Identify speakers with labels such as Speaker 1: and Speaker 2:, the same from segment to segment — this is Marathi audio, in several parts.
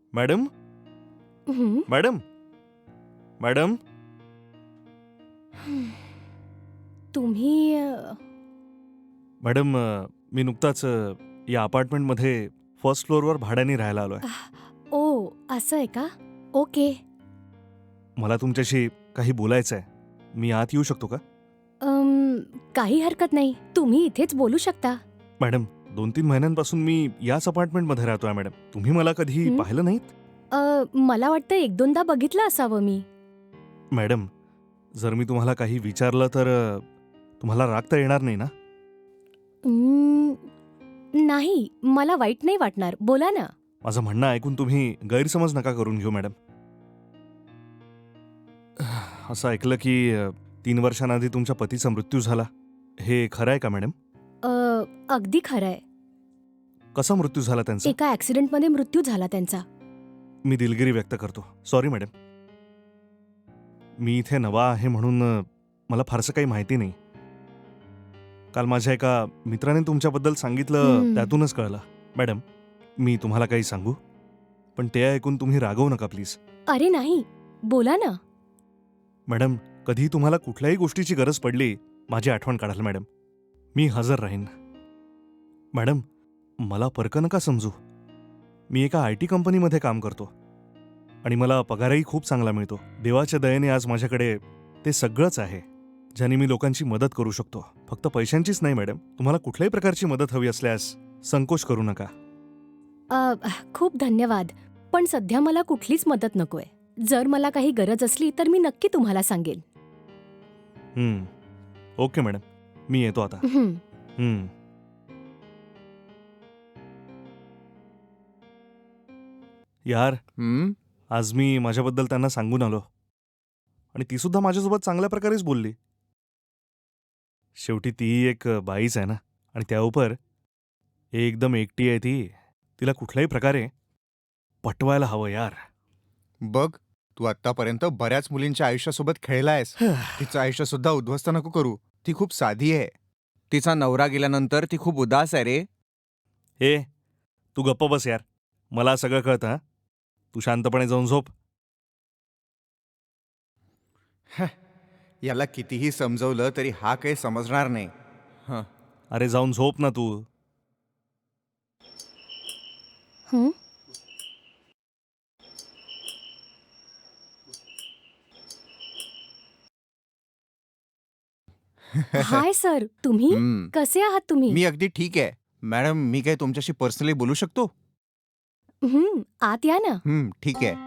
Speaker 1: मॅडम
Speaker 2: हं.
Speaker 1: मॅडम मॅडम
Speaker 2: तुम्ही
Speaker 1: मॅडम मी नुकताच या अपार्टमेंटमध्ये फर्स्ट फ्लोअरवर भाड्याने राहायला आलोय.
Speaker 2: ओ असं आहे का? ओके.
Speaker 1: मला तुमच्याशी काही बोलायचं आहे. मी आत येऊ शकतो का?
Speaker 2: काही हरकत नाही. तुम्ही इथेच बोलू शकता.
Speaker 1: मॅडम 2-3 महिन्यांपासून मी याच अपार्टमेंटमध्ये राहतोय मॅडम. तुम्ही मला कधी
Speaker 2: हं?
Speaker 1: पाहिलं नाहीत?
Speaker 2: मला वाटतं 1-2दा बघितलं असावं मी.
Speaker 1: मॅडम जर मी तुम्हाला काही विचारलं तर तुम्हाला राग तर येणार नाही ना?
Speaker 2: अं, नाही, मला वाईट नाही वाटणार. बोला ना.
Speaker 1: माझं म्हणणं ऐकून तुम्ही गैरसमज नका करून घेऊ मॅडम. असं ऐकलं की 3 वर्षांआधी तुमच्या पतीचा मृत्यू झाला. हे खरं आहे का मॅडम?
Speaker 2: अगदी खरंय.
Speaker 1: कसा मृत्यू झाला त्यांचा?
Speaker 2: एका ॲक्सिडेंटमध्ये मृत्यू झाला त्यांचा.
Speaker 1: मी दिलगिरी व्यक्त करतो. Sorry madam. मी इथे नवा आहे म्हणून मला फारसं काही माहिती नाही. काल माझ्या एका मित्राने तुमच्याबद्दल सांगितलं, त्यातूनच कळलं. मॅडम मी तुम्हाला काही सांगू? पण ते ऐकून तुम्ही रागवू नका प्लीज.
Speaker 2: अरे नाही, बोला ना.
Speaker 1: मॅडम कधीही तुम्हाला कुठल्याही गोष्टीची गरज पडली, माझी आठवण काढाल मॅडम. मी हजर राहीन. मॅडम मला परकं नका समजू. मी एका IT कंपनीमध्ये काम करतो आणि मला पगारही खूप चांगला मिळतो. देवाच्या दयेने आज माझ्याकडे ते सगळंच आहे, ज्याने मी लोकांची मदत करू शकतो. फक्त पैशांचीच नाही मॅडम. तुम्हाला कुठल्याही प्रकारची मदत हवी असल्यास संकोच करू नका.
Speaker 2: खूप धन्यवाद. पण सध्या मला कुठलीच मदत नकोय. जर मला काही गरज असली तर मी नक्की तुम्हाला सांगेन.
Speaker 1: Okay madam. मी येतो आता.
Speaker 2: हं.
Speaker 1: यार आज मी माझ्याबद्दल त्यांना सांगून आलो आणि ती सुद्धा माझ्यासोबत चांगल्या प्रकारेच बोलली. शेवटी ती एक बाईच आहे ना, आणि त्याउपर एकदम एकटी आहे ती. तिला कुठल्याही प्रकारे पटवायला हवं यार.
Speaker 3: बघ, तू आतापर्यंत बऱ्याच मुलींच्या आयुष्यासोबत खेळलायस. तिचं आयुष्य सुद्धा उद्ध्वस्त नको करू. ती खूप साधी आहे. तिचा नवरा गेल्यानंतर ती खूप उदास आहे रे.
Speaker 1: हे तू गप्प बस यार. मला सगळं कळतं. हा तू शांतपणे जाऊन झोप.
Speaker 3: याला कितीही समजवलं तरी हा काही समजणार नाही.
Speaker 1: अरे जाऊन झोप ना तू.
Speaker 2: हं? हाय सर, तुम्ही? कसे आहात तुम्ही?
Speaker 3: मी अगदी ठीक आहे. मॅडम, मी काय तुमच्याशी पर्सनली बोलू शकतो?
Speaker 2: आत या ना.
Speaker 3: ठीक आहे.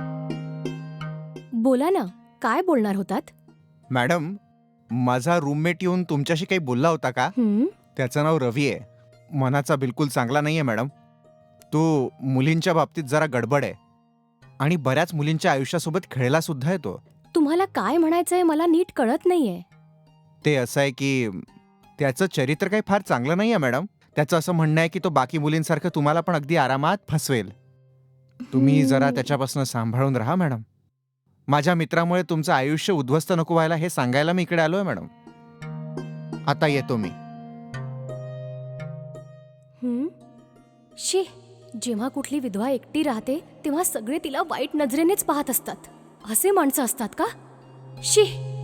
Speaker 2: बोला ना. काय बोलणार होतात?
Speaker 3: मॅडम, माझा रूममेट येऊन तुमच्याशी काही बोलला होता का? त्याचं नाव रवी आहे. मनाचा बिलकुल चांगला नाहीये मॅडम. तो मुलींच्या बाबतीत जरा गडबड आहे आणि बऱ्याच मुलींच्या आयुष्यासोबत खेळला सुद्धा येतो.
Speaker 2: तुम्हाला काय म्हणायचंय मला नीट कळत नाहीये.
Speaker 3: ते असं आहे की त्याचं चरित्र काही फार चांगलं नाहीये मॅडम. त्याचं असं म्हणणं आहे की तो बाकी मुलींसारखं तुम्हाला पण अगदी आरामात फसवेल. तुम्ही जरा त्याच्यापासून सांभाळून राहा मॅडम. माझ्या मित्रामुळे तुमचं आयुष्य उद्ध्वस्त नको व्हायला हे सांगायला मी इकडे आलोय मॅडम. आता येतो मी.
Speaker 2: शी, जेव्हा कुठली विधवा एकटी राहते तेव्हा सगळे तिला वाईट नजरेनेच पाहत असतात. असे माणसं असतात का? शी.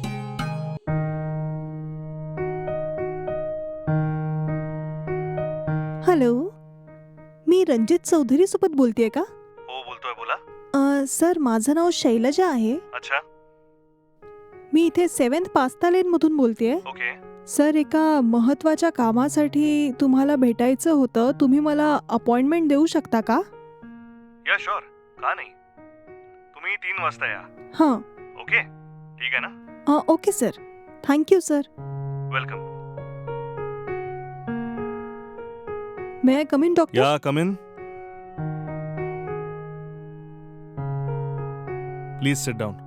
Speaker 4: हॅलो, मी रणजित चौधरी सोबत बोलतेय का?
Speaker 1: हो बोलतोय, बोला.
Speaker 4: सर, माझं नाव शैलजा आहे.
Speaker 1: अच्छा.
Speaker 4: मी इथे 7th पास्ता लेन मधून बोलतेय.
Speaker 1: ओके.
Speaker 4: सर, एका महत्वाच्या कामासाठी तुम्हाला भेटायचं होतं. तुम्ही मला अपॉइंटमेंट देऊ शकता का?
Speaker 1: या शुअर, का नाही. तुम्ही 3 वाजता या.
Speaker 4: हां.
Speaker 1: ओके, ठीक आहे ना.
Speaker 4: Okay sir. Thank you sir.
Speaker 1: Welcome.
Speaker 4: May I come in doctor?
Speaker 1: Yeah come in. Please sit down.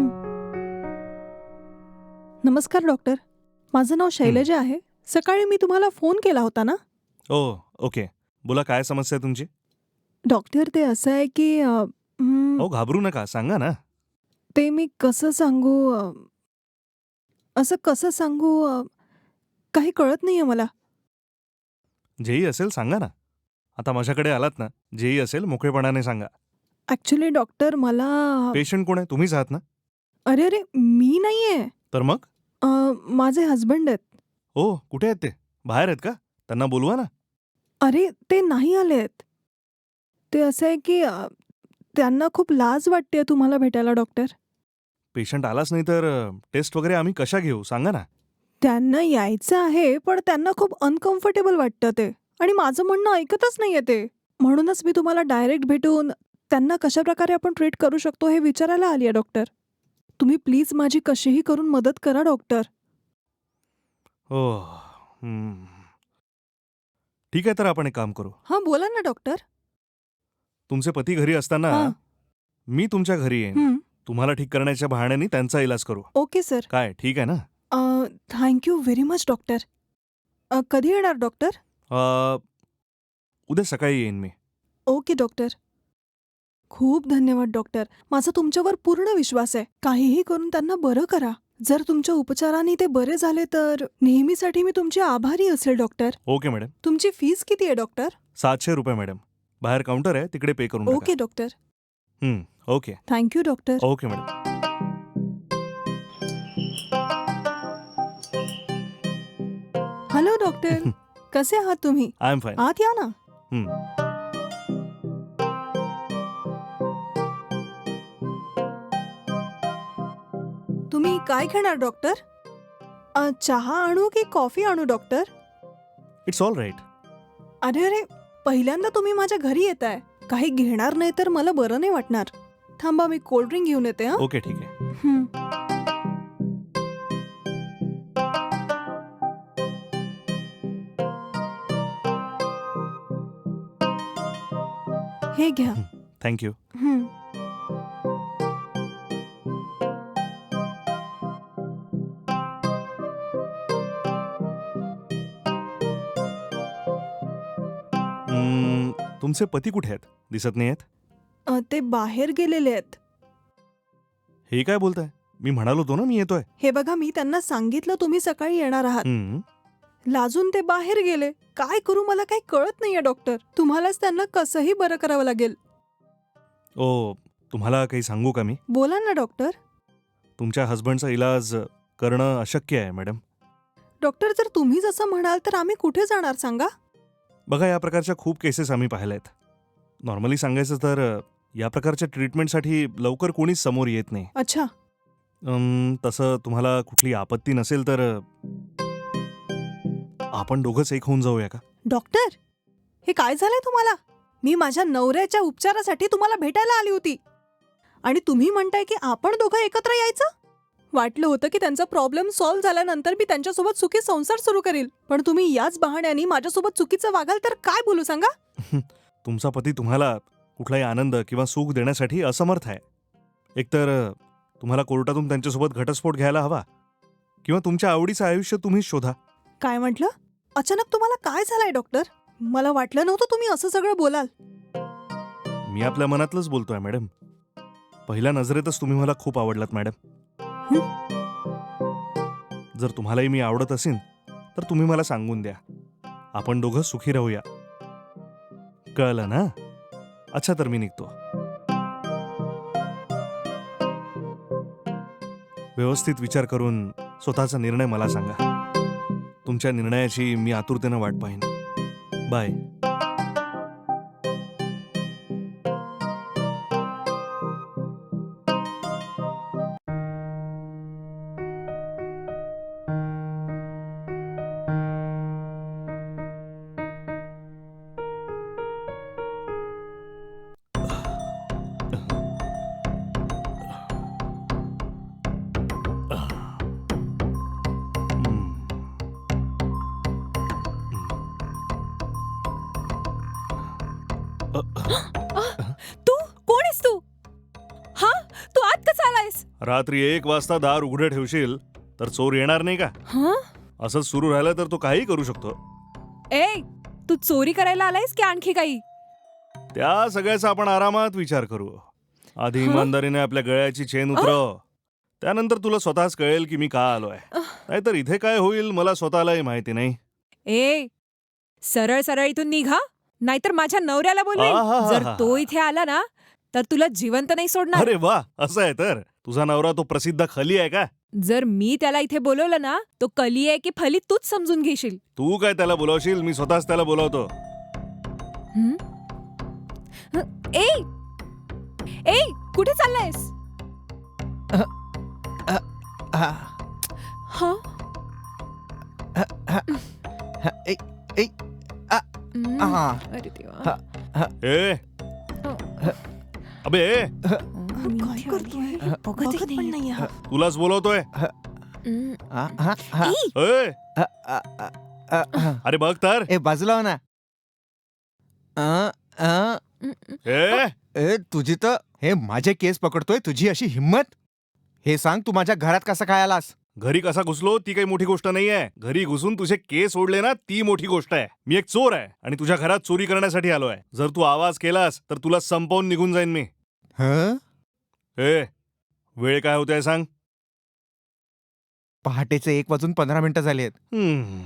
Speaker 4: नमस्कार डॉक्टर. माझं नाव शैलजा आहे. सकाळी मी तुम्हाला फोन केला होता ना?
Speaker 1: ओके. बोला, काय समस्या आहे तुमची?
Speaker 4: डॉक्टर, ते असं आहे की
Speaker 1: घाबरू नका, सांगा ना.
Speaker 4: ते मी कसं सांगू, असं कसं सांगू, काही कळत नाहीये मला.
Speaker 1: जेही असेल सांगा ना. आता माझ्याकडे आलात ना, जेही असेल मोकळेपणाने सांगा.
Speaker 4: ॲक्च्युली डॉक्टर मला
Speaker 1: पेशंट कोण आहे? तुम्हीच आहात ना?
Speaker 4: अरे अरे मी नाहीये.
Speaker 1: तर मग?
Speaker 4: माझे हजबंड आहेत.
Speaker 1: ओ, कुठे आहेत ते? बाहेर आहेत का? त्यांना बोलवा ना.
Speaker 4: अरे ते नाही आलेत. ते असं आहे की त्यांना खूप लाज वाटते तुम्हाला भेटायला डॉक्टर.
Speaker 1: पेशंट आलाच नाही तर टेस्ट वगैरे आम्ही कशा घेऊ? सांगा ना.
Speaker 4: त्यांना यायचं आहे पण त्यांना खूप अनकम्फर्टेबल वाटतं ते आणि माझं म्हणणं ऐकतच नाहीये ते. म्हणूनच मी तुम्हाला डायरेक्ट भेटून त्यांना कशाप्रकारे आपण ट्रीट करू शकतो हे विचारायला आली आहे डॉक्टर. तुम्ही प्लीज माझी कशीही करून मदत करा डॉक्टर.
Speaker 1: हो. हं. ठीक आहे, तर आपण एक काम करू.
Speaker 4: हां बोला ना डॉक्टर.
Speaker 1: तुमचे पती घरी असताना
Speaker 4: हां.
Speaker 1: मी तुमच्या घरी येईन.
Speaker 4: हं.
Speaker 1: तुम्हाला ठीक करण्याच्या बहाण्याने त्यांचा इलाज करू.
Speaker 4: Okay sir.
Speaker 1: काय ठीक आहे ना?
Speaker 4: Thank you very much doctor. कधी येणार डॉक्टर?
Speaker 1: उद्या सकाळी येईन मी.
Speaker 4: Okay doctor. खूप धन्यवाद डॉक्टर. माझा तुमच्यावर पूर्ण विश्वास आहे. काहीही करून त्यांना बरं करा. जर तुमच्या उपचाराने ते बरे झाले तर नेहमीसाठी मी तुमची आभारी असेल डॉक्टर.
Speaker 1: Okay madam.
Speaker 4: तुमची फीस किती आहे डॉक्टर?
Speaker 1: 700 रुपये मॅडम. बाहेर काउंटर आहे, तिकडे पे करून
Speaker 4: ओके
Speaker 1: टाका.
Speaker 4: Doctor.
Speaker 1: Okay.
Speaker 4: Thank you doctor.
Speaker 1: Okay madam.
Speaker 4: Hello doctor. कसे आहात तुम्ही?
Speaker 1: I am fine.
Speaker 4: आत या ना. तुम्ही काय घेणार डॉक्टर? चहा आणू की कॉफी आणू डॉक्टर?
Speaker 1: It's all right.
Speaker 4: अरे अरे पहिल्यांदा तुम्ही माझ्या घरी येताय. काही घेणार नाही तर मला बरं नाही वाटणार. थांबा मी कोल्ड्रिंक घेऊन येते. हं?
Speaker 1: ओके, ठीक आहे.
Speaker 4: हं. हे घ्या.
Speaker 1: थँक्यू.
Speaker 4: हं.
Speaker 1: तुमचे पती कुठे आहेत? दिसत नाही आहेत.
Speaker 4: ते बाहेर गेलेले आहेत.
Speaker 1: हे काय बोलताय? मी म्हणालो होतो ना मी येतोय.
Speaker 4: हे बघा मी त्यांना सांगितलं तुम्ही सकाळी येणार आहात.
Speaker 1: हं.
Speaker 4: लाजून ते बाहेर गेले. काय करू मला काही कळत नाहीये डॉक्टर. तुम्हालाच त्यांना कसंही बरं करावं लागेल.
Speaker 1: ओ, तुम्हाला काही सांगू का मी?
Speaker 4: बोला ना डॉक्टर.
Speaker 1: तुमच्या हसबंडचा इलाज करणं अशक्य आहे मॅडम.
Speaker 4: डॉक्टर जर तुम्हीच असं म्हणाल तर आम्ही कुठे जाणार सांगा?
Speaker 1: बघा, या प्रकारच्या खूप केसेस आम्ही पाहिल्या आहेत. नॉर्मली सांगायचं तर या प्रकारच्या ट्रीटमेंटसाठी लवकर कोणीच समोर येत नाही.
Speaker 4: अच्छा.
Speaker 1: तसं तुम्हाला कुठली आपत्ती नसेल तर आपण दोघंच एक होऊन जाऊया का?
Speaker 4: डॉक्टर हे काय झालंय तुम्हाला? मी माझ्या नवऱ्याच्या उपचारासाठी तुम्हाला भेटायला आली होती आणि तुम्ही म्हणताय की आपण दोघं एकत्र यायचं? वाटलं होतं की त्यांचा प्रॉब्लेम सॉल्व्ह झाल्यानंतर मी त्यांच्यासोबत सुखी संसार सुरू करील, पण तुम्ही याच बहाण्याने माझ्यासोबत चुकीचं वागाल तर काय बोलू सांगा?
Speaker 1: तुमचा पती तुम्हाला कुठलाही आनंद किंवा सुख देण्यासाठी असमर्थ आहे. एकतर तुम्हाला कोर्टातून त्यांच्यासोबत घटस्फोट घ्यायला हवा किंवा तुमच्या आवडीचं आयुष्य तुम्हीच शोधा.
Speaker 4: काय म्हटलं? अचानक तुम्हाला काय झालंय डॉक्टर? मला वाटलं नव्हतं तुम्ही असं सगळं बोलाल.
Speaker 1: मी आपल्या मनातलंच बोलतोय मॅडम. पहिल्या नजरेतच तुम्ही मला खूप आवडलात मॅडम. जर तुम्हालाही मी आवडत असेन तर तुम्ही मला सांगून द्या. आपण दोघं सुखी राहूया. कळलं ना? अच्छा, तर मी निघतो. व्यवस्थित विचार करून स्वतःचा निर्णय मला सांगा. तुमच्या निर्णयाची मी आतुरतेनं वाट पाहीन. बाय.
Speaker 2: तू कोण आहेस तू? हा, तू आत कसा आलायस?
Speaker 1: रात्री 1 वाजता दार उघडं ठेवशील तर चोर येणार नाही का?
Speaker 2: हा?
Speaker 1: असंच सुरू राहिलं तर तो काही करू शकतो.
Speaker 2: ए, तू चोरी करायला आलायस की आणखी काही?
Speaker 1: त्या सगळ्याचा आपण आरामात विचार करू. आधी इमानदारीने आपल्या गळ्याची चेन उतरव. त्यानंतर तुला स्वतःच कळेल की मी का आलोय. नाहीतर इथे काय होईल मला स्वतःलाही माहिती नाही.
Speaker 5: ए, सरळ सरळ इथून निघा, नाहीतर माझ्या नवऱ्याला बोलवेल.
Speaker 1: आहाहाहा.
Speaker 5: जर तो इथे आला ना तर तुला जिवंत नाही सोडणार.
Speaker 1: अरे वा, असं आहे तर तुझा नवरा तो प्रसिद्ध खली आहे का?
Speaker 5: जर मी त्याला इथे बोलवलं ना, तो कली आहे की फली तूच समजून घेशील.
Speaker 1: तू काय त्याला बोलावशील, मी स्वतःच त्याला बोलावतो.
Speaker 5: हं? ए ए कुठे चाललायस?
Speaker 3: हा,
Speaker 5: हा?
Speaker 3: हा, ए, ए,
Speaker 5: हं.
Speaker 3: हा,
Speaker 5: अरे देवा.
Speaker 1: ए अबे ए,
Speaker 4: काय करतोय बघत पण नाहीये.
Speaker 1: तुलाच बोलवतोय.
Speaker 5: हं.
Speaker 3: हा, हा, हा.
Speaker 5: ए,
Speaker 1: ए,
Speaker 3: अ, अ, अ, अ, अ.
Speaker 1: अरे बघ तर.
Speaker 3: ए बाजूला हो ना. अ, अ,
Speaker 1: ए
Speaker 3: ए तुझी तर हे माझे केस पकडतोय, तुझी अशी हिम्मत. हे सांग, तू माझ्या घरात कसा काय आलास?
Speaker 1: घरी कसा घुसलो ती काही मोठी गोष्ट नाहीये. घरी घुसून तुझे केस ओढले ना, ती मोठी गोष्ट आहे. मी एक चोर आहे आणि तुझ्या घरात चोरी करण्यासाठी आलोय. जर तू आवाज केलास तर तुला संपवून निघून जाईन मी.
Speaker 3: हं?
Speaker 1: ए वेळ काय होते सांग.
Speaker 3: पहाटेचे 1:15 झालेत.
Speaker 1: हम्म.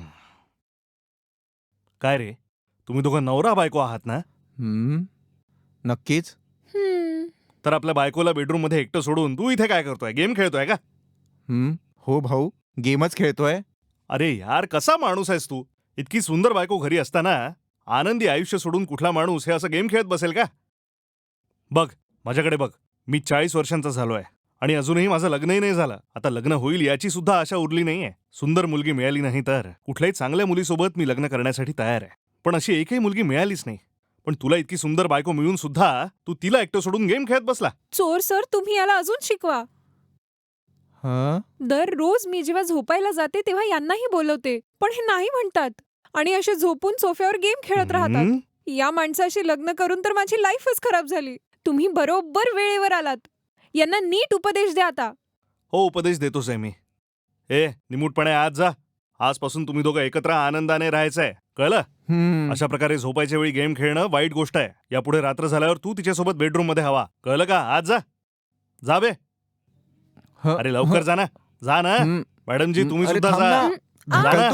Speaker 1: काय रे, तुम्ही दोघं नवरा बायको आहात ना?
Speaker 3: हं? नक्कीच.
Speaker 5: हं.
Speaker 1: तर आपल्या बायकोला बेडरूम मध्ये एकटं सोडून तू इथे काय करतोय? गेम खेळतोय का?
Speaker 3: हं? हो भाऊ, गेमच खेळतोय.
Speaker 1: अरे यार, कसा माणूस आहेस तू? इतकी सुंदर बायको घरी असताना आनंदी आयुष्य सोडून कुठला माणूस हे असं गेम खेळत बसेल का? बघ माझ्याकडे बघ, मी 40 वर्षांचा झालोय आणि अजूनही माझं लग्नही नाही झालं. आता लग्न होईल याची सुद्धा आशा उरली नाहीये. सुंदर मुलगी मिळाली नाही तर कुठल्याही चांगल्या मुलीसोबत मी लग्न करण्यासाठी तयार आहे. पण अशी एकही मुलगी मिळालीच नाही. पण तुला इतकी सुंदर बायको मिळून सुद्धा तू तिला एकटं सोडून गेम खेळत बसला.
Speaker 5: चोर सर, तुम्ही याला अजून शिकवा.
Speaker 3: हं?
Speaker 5: दररोज मी जेव्हा झोपायला जाते तेव्हा यांनाही बोलवते, पण हे नाही म्हणतात आणि असे झोपून सोफ्यावर गेम खेळत राहतात.
Speaker 1: हम्म?
Speaker 5: या माणसाशी लग्न करून तर माझी लाईफच खराब झाली. तुम्ही बरोबर वेळेवर आलात. यांना नीट उपदेश द्या आता.
Speaker 1: हो, उपदेश देतोच आहे मी. ए निमूटपणे आज जा. आजपासून तुम्ही दोघं एकत्र आनंदाने राहायचंय, कळलं?
Speaker 3: हं.
Speaker 1: अशा प्रकारे झोपायच्या वेळी गेम खेळणं वाईट गोष्ट आहे. यापुढे रात्र झाल्यावर तू तिच्यासोबत बेडरूम मध्ये हवा, कळलं का? आज जा. जा बे.
Speaker 3: हं,
Speaker 1: अरे लवकर जा ना. जा ना.
Speaker 3: हं.
Speaker 1: मॅडमजी तुम्ही
Speaker 3: अरे
Speaker 1: सुद्धा
Speaker 3: थांब
Speaker 1: जा.
Speaker 3: ना.
Speaker 1: जा ना.